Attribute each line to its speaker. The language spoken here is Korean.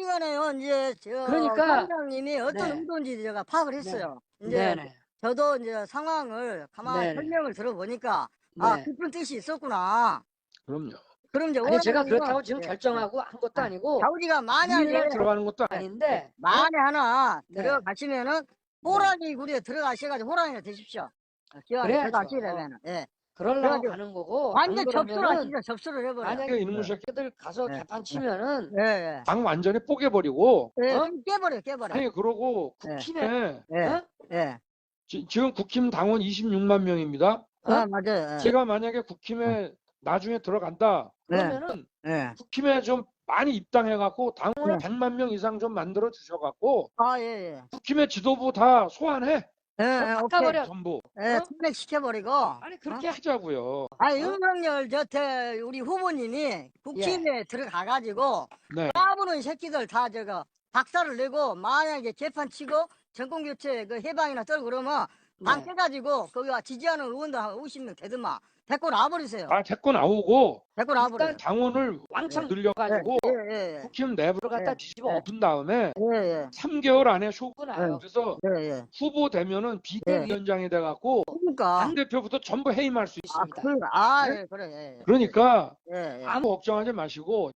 Speaker 1: 시간에요. 이제
Speaker 2: 그러니까
Speaker 1: 관장님이 어떤
Speaker 2: 네.
Speaker 1: 의도인지 제가 파악을 했어요. 이제
Speaker 2: 네네.
Speaker 1: 저도 이제 상황을 가만히
Speaker 2: 네네.
Speaker 1: 설명을 들어보니까 아,
Speaker 2: 네.
Speaker 1: 깊은 뜻이 있었구나.
Speaker 3: 그럼요.
Speaker 1: 그럼 이제
Speaker 2: 아니 제가
Speaker 1: 원하는
Speaker 2: 그렇다고
Speaker 1: 건
Speaker 2: 지금
Speaker 1: 예,
Speaker 2: 결정하고 한 것도
Speaker 1: 아,
Speaker 2: 아니고
Speaker 1: 자우지가 만약에
Speaker 3: 그냥 들어가는 것도
Speaker 1: 예,
Speaker 2: 아닌데
Speaker 1: 만에 하나
Speaker 2: 네.
Speaker 1: 들어가시면은 호랑이 굴에 들어가셔가지고 호랑이가 되십시오. 기왕에
Speaker 2: 그래야죠.
Speaker 1: 들어가시려면은 예.
Speaker 2: 그러려고
Speaker 1: 그래가지고
Speaker 2: 가는 거고 안
Speaker 1: 완전 접수를
Speaker 2: 그러면은
Speaker 1: 하시죠. 접수를 해버려.
Speaker 2: 만약에
Speaker 3: 이놈의 새끼
Speaker 2: 새끼들 가서
Speaker 1: 예.
Speaker 2: 개판 치면은
Speaker 1: 예, 예.
Speaker 3: 당 완전히 뽀개버리고
Speaker 1: 예,
Speaker 2: 어?
Speaker 1: 깨버려.
Speaker 3: 아니 그러고
Speaker 1: 예.
Speaker 3: 국힘에
Speaker 1: 예,
Speaker 2: 어?
Speaker 1: 예.
Speaker 3: 지금 국힘 당원 26만 명입니다.
Speaker 1: 아, 맞아요. 예.
Speaker 3: 제가 만약에 국힘에 나중에 들어간다 그러면은
Speaker 1: 예.
Speaker 3: 국힘에 좀 많이 입당해갖고 당원을
Speaker 1: 네.
Speaker 3: 100만 명 이상 좀 만들어 주셔갖고
Speaker 1: 아, 예, 예.
Speaker 3: 국힘의 지도부 다 소환해
Speaker 1: 예, 예, 오케이.
Speaker 2: 바꿔버려.
Speaker 3: 전부
Speaker 1: 예,
Speaker 2: 어?
Speaker 1: 탄핵시켜버리고.
Speaker 2: 아니 그렇게
Speaker 3: 하자고요.
Speaker 1: 아, 윤석열 저태 우리 후보님이 국힘에 들어가가지고
Speaker 3: 네.
Speaker 1: 까부는 새끼들 다 박살을 내고 만약에 재판 치고 정권교체 그 해방이나 떨고 그러면 당
Speaker 2: 네.
Speaker 1: 깨가지고 거기 지지하는 의원들 한 50명 되더만 데리고 나버리세요.
Speaker 3: 데리고 나오고
Speaker 1: 데리고 나버려요.
Speaker 2: 일단
Speaker 3: 당원을
Speaker 2: 왕창
Speaker 3: 늘려가지고
Speaker 1: 예, 예,
Speaker 3: 국힘 내부로
Speaker 2: 들어갔다
Speaker 1: 예.
Speaker 2: 뒤집어
Speaker 1: 예.
Speaker 3: 엎은 다음에
Speaker 1: 예, 예.
Speaker 3: 3개월 안에 쇼고
Speaker 2: 나요.
Speaker 3: 그래서
Speaker 1: 예, 예.
Speaker 3: 후보 되면은 비대위원장이 돼갖고
Speaker 1: 그러니까.
Speaker 3: 당대표부터 전부 해임할 수 있습니다.
Speaker 1: 예, 그래, 예, 예.
Speaker 3: 그러니까
Speaker 1: 예, 예.
Speaker 3: 아무 걱정하지 마시고